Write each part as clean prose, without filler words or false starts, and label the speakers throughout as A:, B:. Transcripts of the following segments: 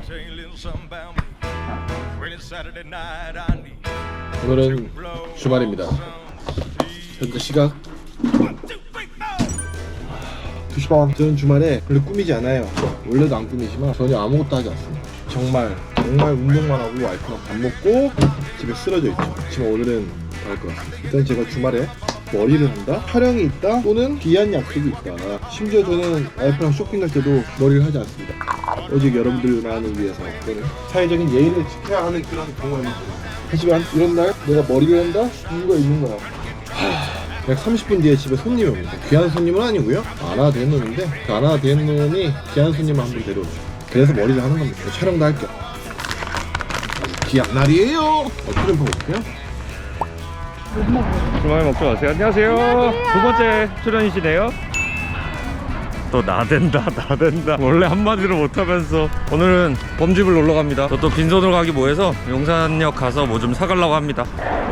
A: 오늘은 주말입니다. 현재 시각 2시 반. 저는 주말에 별로 꾸미지 않아요. 원래도 안 꾸미지만 전혀 아무것도 하지 않습니다. 정말 운동만 하고 와이프랑 밥 먹고 집에 쓰러져 있죠. 하지만 오늘은 할 것 같습니다. 일단 제가 주말에 머리를 한다, 촬영이 있다, 또는 귀한 약속이 있다. 심지어 저는 와이프랑 쇼핑 갈 때도 머리를 하지 않습니다. 오직 여러분들만을 위해서 또는 사회적인 예의를 지켜야 하는 그런 경우입니다. 하지만 이런 날 내가 머리를 한다? 이유가 있는 거야. 약 30분 뒤에 집에 손님이 옵니다. 귀한 손님은 아니고요, 안 와도 된 놈인데 그 안 와도 된 놈이 귀한 손님을 한 분 데려오죠. 그래서 머리를 하는 겁니다. 촬영도 할게요. 귀한 날이에요. film 볼게요.
B: 주말 먹지 마세요. 안녕하세요. 두 번째 출연이시네요. 또 나댄다. 원래 한마디로 못하면서 오늘은 범집을 놀러 갑니다. 저 또 빈손으로 가기 뭐해서 용산역 가서 뭐 좀 사가려고 합니다.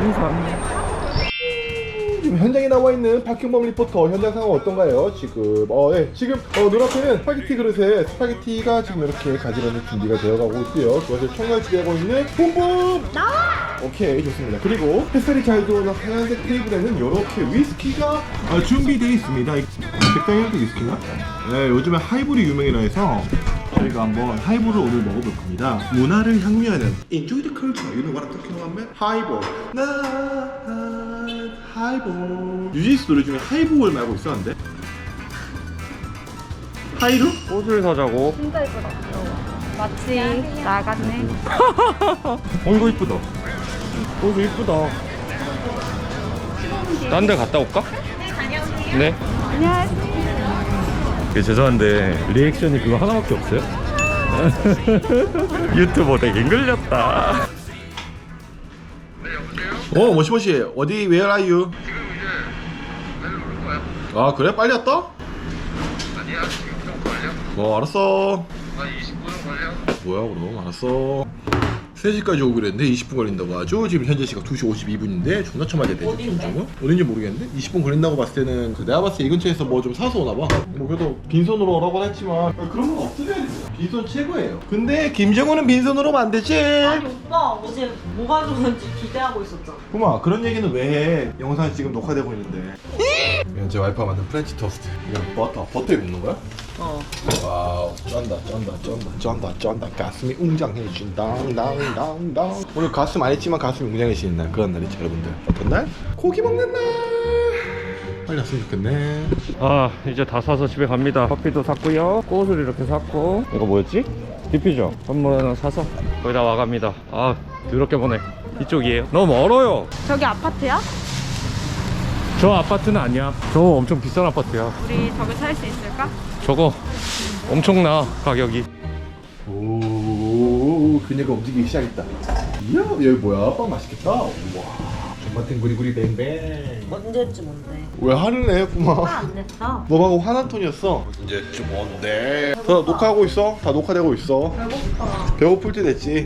A: 지금 현장에 나와 있는 박형범 리포터, 현장 상황 어떤가요? 지금 지금 눈앞에는 스파게티 그릇에 스파게티가 지금 이렇게 가지런히 준비가 되어가고 있고요. 그것을 청결지배하고 있는 뿜뿜 나와! 오케이, 좋습니다. 그리고 햇살이 잘 들어오는 하얀색 테이블에는 이렇게 위스키가 준비되어 있습니다. 백당현도 위스키인가? 네, 요즘에 하이볼이 유명이라 해서 저희가 한번 하이볼을 오늘 먹어볼 겁니다. 문화를 향유하는 Enjoy the culture. You know what I'm talking about? 하이볼. 하이볼. 뉴진스 노래 중에 하이볼 말고 있었는데? 하이루?
B: 꽃을 사자고.
C: 진짜 예쁘다. 마치 나갔네.
B: 이거 이쁘다. 이거 이쁘다. 딴 데 갔다 올까? 네.
C: 안녕하세요.
B: 죄송한데 리액션이 그거 하나밖에 없어요? 유튜버 되게 끌렸다.
A: 모시모시. 어디, where are you?
D: 지금 이제 내일 오는 거야.
A: 아, 그래? 빨리 왔다?
D: 아니야, 지금 좀 걸려.
A: 알았어.
D: 한 20분은 걸려.
A: 뭐야, 그럼 알았어. 3시까지 오기로 했는데 20분 걸린다고 하죠. 지금 현재 시각 2시 52분인데 존나 처맞아야 되죠. 어딘지 모르겠는데 20분 걸린다고 봤을 때는 내가 봤을 때 이 근처에서 뭐 좀 사서 오나봐. 뭐 그래도 빈손으로 오라고 했지만 그런 건 없어져야 됩니다. 빈손 최고예요. 근데 김정우는 빈손으로 오면 안 되지.
E: 아니 오빠 어제 뭐가 좋은지 기대하고 있었잖아.
A: 구마, 그런 얘기는 왜 해? 영상이 지금 녹화되고 있는데. 이건 제 와이프가 만든 프렌치 토스트. 이건 버터에 굽는 거야? 와우, 쩐다. 가슴이 웅장해진다. 오늘 가슴 안 했지만 가슴이 웅장해지는 날, 그런 날이죠, 여러분들. 어떤 날? 고기 먹는 날. 빨리 왔으면 좋겠네.
B: 아, 이제 다 사서 집에 갑니다. 커피도 샀고요, 꽃을 이렇게 샀고, 이거 뭐였지? 디퓨저 선물 하나 사서 거의 다 와갑니다. 아, 더럽게 보네. 이쪽이에요. 너무 멀어요.
C: 저기 아파트야?
B: 저 아파트는 아니야. 저거 엄청 비싼 아파트야.
C: 우리 저기 살 수 있을까?
B: 저거 엄청나, 가격이.
A: 오, 그녀가 움직이기 시작했다. 이야, 여기 뭐야? 빵 맛있겠다. 우와, 존맛탱 구리구리 뱅뱅.
E: 언제쯤 온대?
A: 왜 화를 내, 구마?
E: 안 냈어.
A: 너하고 화난 톤이었어. 이제 좀 뭔데? 다 녹화하고 있어. 다 녹화되고 있어.
E: 배고파.
A: 배고플 때 됐지.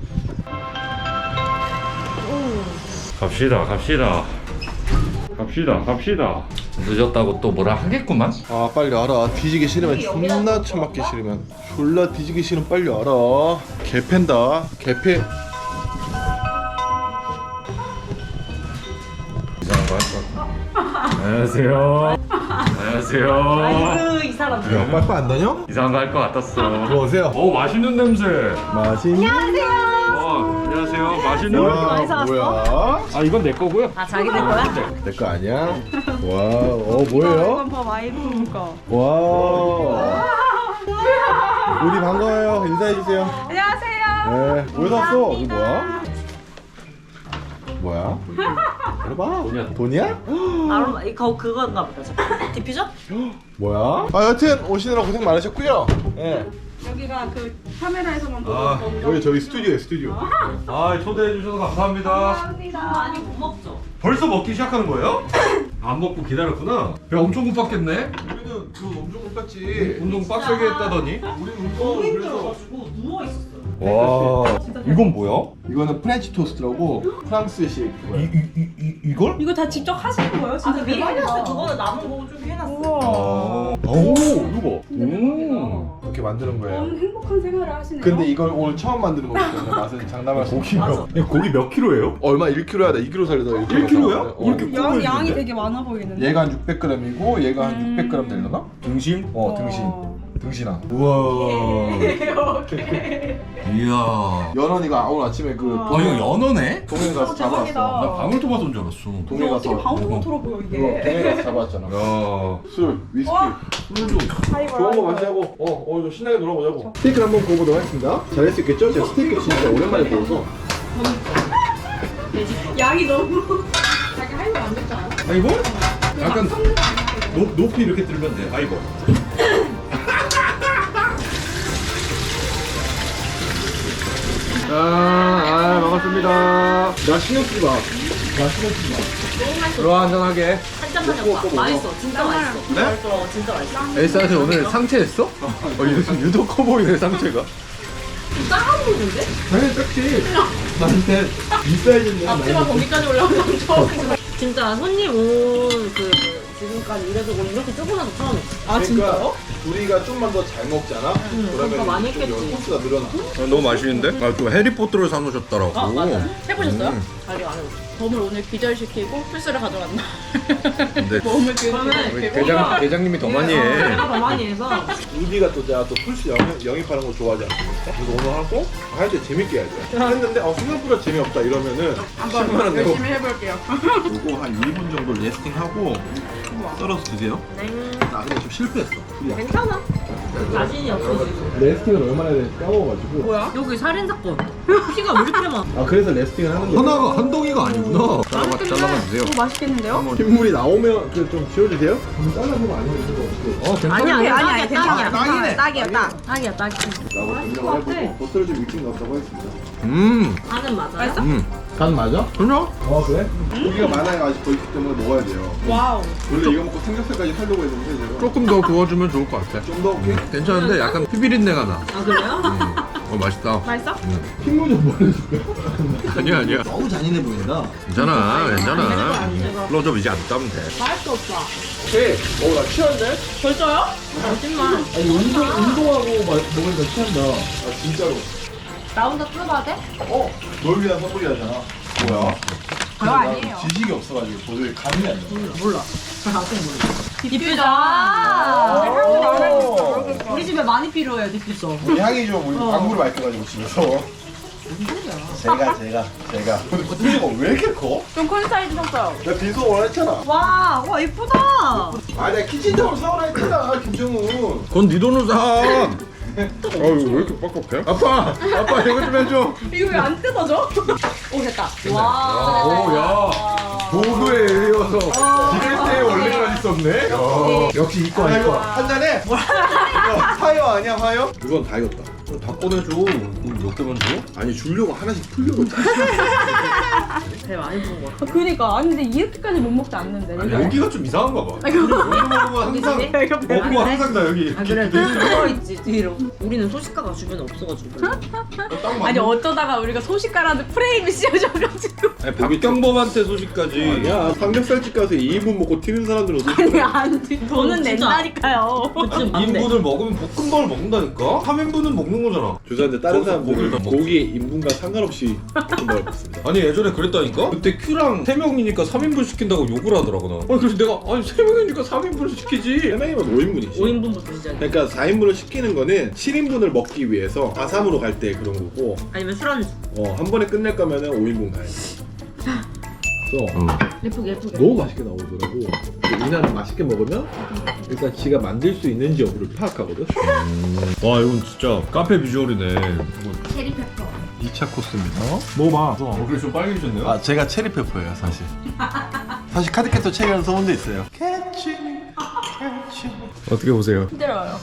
B: 갑시다. 늦었다고 또 뭐라 하겠구만.
A: 아, 빨리 알아. 뒤지기 싫으면 존나 처맞기 싫으면 졸라 뒤지기 싫으면 빨리 알아. 개팬다. 개패.
B: 이상한 거 할 것 같아. 안녕하세요.
E: 아이고 이 사람들.
A: 야, 빠빠 안 다녀?
B: 이상한 거 할 것 같았어.
A: 들어오세요.
B: 오, 맛있는 냄새.
A: 맛있는.
B: 안녕하세요. 맛있는
A: 와,
B: 냄새.
A: 뭐야?
B: 아, 이건 내 거고요.
E: 아 자기들 거야?
A: 내 거 아니야? 와, 뭐예요?
C: 봐 와이프 거.
A: 와. 우리 반가워요. 인사해 주세요.
C: 안녕하세요.
A: 네. 왜 샀어? 이거 뭐야? 해봐. 돈이야?
E: 아로마 이거 그건가 보다. 저 디퓨저?
A: 뭐야? 여튼 오시느라 고생 많으셨고요. 예.
C: 여기가 그 카메라에서만 보던
A: 아,
C: 건가?
A: 여기 저희 스튜디오에 스튜디오.
B: 아, 초대해 주셔서 감사합니다.
C: 감사합니다.
E: 많이 못 먹죠.
B: 벌써 먹기 시작하는 거예요? 안 먹고 기다렸구나. 배 엄청 고팠겠네.
A: 우리는 그 엄청 똑같지.
B: 운동 빡세게 했다더니.
A: 우리는
E: 너무
A: 그래서
E: 힘들어가지고 누워 있었어요.
B: 와, 이건 뭐야?
A: 이거는 프렌치 토스트라고 프랑스식 그거야.
B: 이걸?
C: 이거 다 직접 하시는 거예요?
E: 아
C: 진짜
E: 그 미리 해놨어요.
C: 대박이다.
E: 저거는 남은 거 좀 해놨어.
C: 우와.
A: 오, 이거.
B: 오.
A: 이렇게 만드는 거예요.
C: 너무 행복한 생활을 하시네요.
A: 근데 이걸 오늘 처음 만드는 거기 때문에 맛은 장담할 수 없어요.
B: 고기 몇 킬로예요?
A: 얼마 1kg야 돼. 2kg 살려다
B: 1kg 야? 왜 이렇게 커
C: 양이
B: 보이는데?
C: 되게 많아 보이는데.
A: 얘가 한 600g이고 얘가 한 600g 되려나?
B: 등심?
A: 등신. 등신아.
B: 우와. 이야.
A: 연원이가 오늘 아침에 그
B: 아 이거 연어네?
A: 동해 가서
C: 대박이다.
A: 잡았어.
B: 나 방울토마토인 줄 알았어.
A: 동해
C: 어떻게
A: 가서
C: 방울토마토로 보여 이게.
A: 동해 가서 잡았잖아.
B: 야.
A: 술, 위스키.
C: 와.
B: 술도.
A: 좋은 거 마시자고. 오늘 좀 신나게 놀아보자고. 스테이크를 한번 구워보도록 하겠습니다. 잘할 수 있겠죠? 제가 스테이크 진짜 오랜만에 구워서.
C: 양이 너무. 자기 할거 안 됐지 않아?
B: 아 이거? 약간 높이 이렇게 들면 돼. 아이고.
A: 반갑습니다. 나 신경 쓰지 마. 나 신경 쓰지 마.
E: 너무 맛있어.
A: 들어와, 한잔하게.
E: 한잔 마셨다. 맛있어. 진짜 맛있어.
A: 네?
E: 진짜 맛있어.
A: 엘사한테 오늘 상체했어? 유독 커 보이네, 상체가.
E: 작아 보이는데?
A: 당연히 작지. 나한테 이 사이즈인데.
E: 앞치마 거기까지 올라오는 건 처음. 진짜 손님 온 그 지금까지 일해서 온 이렇게 조그마한 거 처음이야.
C: 아 진짜요?
A: 우리가 좀만 더 잘 먹잖아?
E: 그러니까
A: 그러면
E: 많이
A: 이쪽
E: 했겠지.
A: 코스가 늘어나.
B: 너무 맛있는데? 아, 또 해리포터를 사놓으셨더라고.
E: 아 맞아. 해보셨어요? 자기 안 해봤어.
C: 범을 오늘 기절시키고 플스를 가져왔나?
B: 근데
C: 범을
E: 그러면
B: 대장님이 더 많이 해.
E: 내가 더 많이 해서
A: 우디가 또 제가 또 풀스 영입하는 거 좋아하지 않습니까? 그래서 오늘 하고 할 때 재밌게 해야죠. 했는데 생각보다 재미없다 이러면은 10만 원 내고
C: 열심히 해볼게요.
A: 요거 한 1분 정도 레스팅하고 썰어서 드세요. 나 근데 좀 실패했어.
E: 괜찮아. 자신이 없어 지금.
A: 레스팅을 얼마나 해야 되는지 까먹어가지고.
C: 뭐야?
E: 여기 살인 사건. 피가 왜 이렇게 많아?
A: 아 그래서 레스팅을 하는 거야.
B: 하나가 한 덩이가 아니구나. 잘라봐 주세요.
C: 오 맛있겠는데요?
A: 핏물이 나오면 그 좀 지워주세요. 잘라보면 아니면 이거 어떻게?
E: 아니야 딱이야.
A: 딱이네.
C: 딱이야 딱.
E: 딱이야 딱이야.
A: 라고 변경을 해보고 버터를 좀 일찍 넣었다고 했습니다.
E: 간은 맞아요?
C: 맛있어?
A: 간 맞아?
B: 그냥?
A: 그래? 고기가 많아야 아직 더 있기 때문에 먹어야 돼요.
C: 와우.
A: 원래 이거 먹고 삼겹살까지 살려고 했는데 제가
B: 조금 더 구워주면 좋을 것 같아.
A: 좀 더 오케이?
B: 괜찮은데 약간 피비린내가 나.
E: 아 그래요?
B: 맛있다.
C: 맛있어?
A: 핏물 좀 보내줄까?
B: 아니야.
A: 너무 잔인해 보인다.
B: 괜찮아.
E: 안 찍어.
B: 클로즈업 이제 안 따면 돼.
E: 맛있어 오빠.
A: 오케이. 나 취한데?
C: 벌써요?
E: 거짓말.
A: 아니 운동하고 먹으니까 취한다. 아 진짜로.
E: 나 혼자 뜯어봐도 돼?
A: 널 위한 선물이잖아. 뭐야?
C: 그거 아니에요.
A: 지식이 없어가지고 도저히 감이 안 나.
E: 몰라. 디퓨저.
A: 오.
E: 우리 집에 많이 필요해요 디퓨저.
A: 향이 좀 우리 광고를 맡겨가지고 집에서. 제가. 근데 버튼이가 왜 이렇게 커?
C: 좀 큰 사이즈 샀어요.
A: 나 빈소 원했잖아.
E: 와 예쁘다.
A: 아 내가 키친타올 사오라 했잖아 김정훈.
B: 그건 네 돈으로 사. 이거 왜 이렇게 빡빡해? 아빠 이거 좀 해줘.
C: 이거 왜 안 뜯어져?
E: 오 됐다. 와.
B: 오야. 보도에 의해서 디귿대에 원래가 있었네.
A: 역시 이거 한 잔에. 이거 화요 아니야 화요? 이건 다 익었다.
B: 다 꺼내줘. 몇 개만 줘?
A: 아니 주려고 하나씩 풀려고.
E: 배 많이 부은 거 같아.
C: 그니까 아니 근데 이렇게까지 못 먹지 않는데.
B: 아니, 여기가 좀 이상한가 봐. 여기 먹으면 항상 먹고 항상 나 여기.
E: 아 그래 들어있지 뒤로. 우리는 소식가가 주변에 없어가지고.
C: 아니 어쩌다가 우리가 소식가라는 프레임이 씌워져가지고.
B: 박경범한테 소식까지.
A: 아니야 삼겹살집 가서 2인분 먹고 튀는 사람들은
C: 아니 안 돼. 돈은
E: 진짜.
C: 낸다니까요.
E: 지금 안 돼.
B: 2인분을 먹으면 볶음밥을 먹는다니까? 3인분은 먹는 거잖아.
A: 죄송한데 다른
B: 거기서
A: 사람들은
B: 고기를
A: 고기 인분과 상관없이 볶음밥을 먹습니다.
B: 아니 예전에 그랬다니까? 그때 큐랑 3명이니까 3인분 시킨다고 욕을 하더라고 나. 아니 그래서 내가 3명이니까 3인분을 시키지.
A: 3명이면 5인분이지.
E: 5인분부터 시작해.
A: 그러니까 4인분을 시키는 거는 7인분을 먹기 위해서 4-3으로 갈 때 그런 거고
E: 아니면 술안주.
A: 한 번에 끝낼 거면은 5인분 가야 돼. 그래서
E: 예쁘게.
A: 너무 맛있게 나오더라고. 이나는 맛있게 먹으면 일단 지가 만들 수 있는지 여부를 파악하거든.
B: 와 이건 진짜 카페 비주얼이네.
E: 체리페퍼.
A: 2차 코스입니다. 먹어봐.
B: 얼굴이 좀 빨개지셨네요.
A: 아 제가 체리페퍼예요 사실. 사실 카드캐터 체리라는 소문도 있어요.
B: 어떻게 보세요?
C: 힘들어요.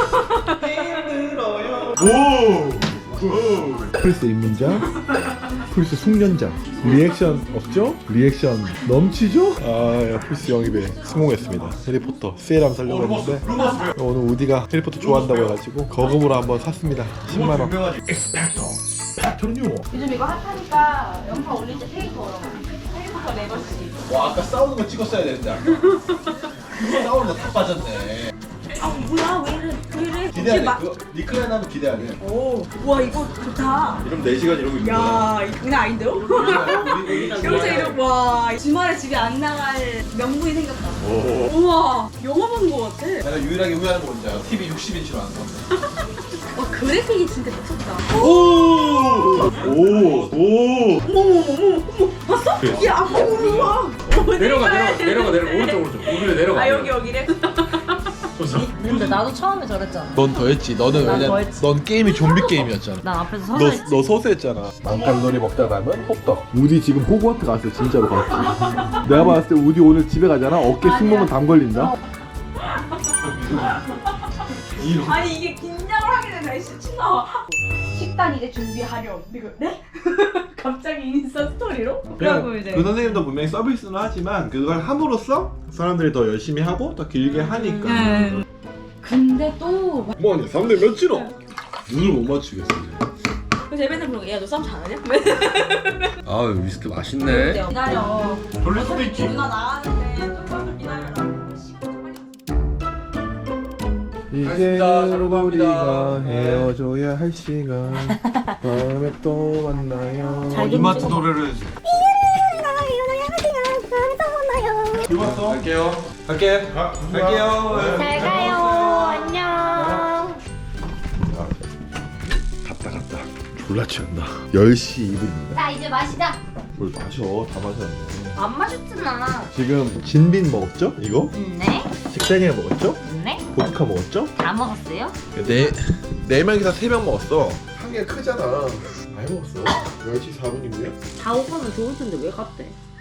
A: 플스 입문자, 플스 숙련자. 리액션 없죠? 리액션 넘치죠? 아, 플스 영입에 성공했습니다. 해리포터 세일함 살려고 했는데 오늘 우디가 해리포터 좋아한다고 해가지고 거금으로 한번 샀습니다. 10만 원. 엑스펙터 패턴이요.
C: 요즘 이거 핫하니까 영상 올릴 때 테이퍼 테이퍼 네버씩.
A: 와 아까 싸우는 거 찍었어야 되는데 아까. 싸우는 거 다 빠졌네.
C: 아 뭐야 왜 이래
A: 기대야 돼.
C: 마-
A: 그거 리클라인 하면 기대야 돼.
C: 오, 와 이거 좋다.
A: 이러면 4시간 이러고 있는 거야.
C: 야, 이거 장난 아닌데요? 여기서 이러고 와 주말에 집에 안 나갈 명분이 생겼다. 우와, 영화 본 거 같아.
A: 내가 유일하게 후회하는 거 뭔지 알아? TV 60인치로 안 사.
C: 와 그래픽이 진짜 미쳤다.
A: 오!
C: 어머머머머머, 봤어? 야, 우와.
B: 내려가 오른쪽 여기로 내려가.
C: 아 여기래.
E: 근데 나도 처음에 저랬잖아.
A: 넌 더 했지. 너는
E: 난
A: 왜냐?
E: 더 했지.
A: 넌 게임이 좀비 게임이었잖아.
E: 난 앞에서 서서 했지.
A: 너 서서했잖아. 만칼로리 먹다 가면 호떡. 우디 지금 호그와트 갔어. 진짜로 갔지. 내가 봤을 때 우디 오늘 집에 가잖아. 어깨 승모근 담 걸린다.
C: 아니 이게 긴장을 하게 되나 씨 나와. 식단 이제 준비하렴. 이거 네? 갑자기 인스타 스토리로? 그리고 이제
A: 그 선생님도 분명히 서비스는 하지만 그걸 함으로써 사람들이 더 열심히 하고 더 길게 하니까.
C: 네. 근데 또
A: 뭐하냐? 3대 몇이로? 눈을 못 맞추겠어.
C: 제 맨날 그러고 야너 싸움 잘하냐?
B: 아 위스키 맛있네.
C: 기다려.
A: 돌릴 수도 있지.
C: 누나 나가는데 조금 기다려라. 시간 좀 빨리.
A: 이제는 우리가 헤어져야 할 시간. 다음에 또 만나요. 이마트 노래를. 이마트. 갈게요. 갈게. 갈게요.
C: 잘 가요. 안녕.
A: 갔다. 졸라 취한다. 10시 2분입니다.
C: 자 이제 마시자.
A: 뭘 마셔? 다 마셨네.
C: 안 마셨잖아.
A: 지금 진빈 먹었죠? 이거?
C: 네.
A: 식당이랑 먹었죠?
C: 네.
A: 보드카 먹었죠?
C: 다 먹었어요?
A: 네 명이서 3병 먹었어. 한 개가 크잖아. 많이 먹었어. 10시 4분이고요.
E: 다 오가면 좋을 텐데 왜 갔대?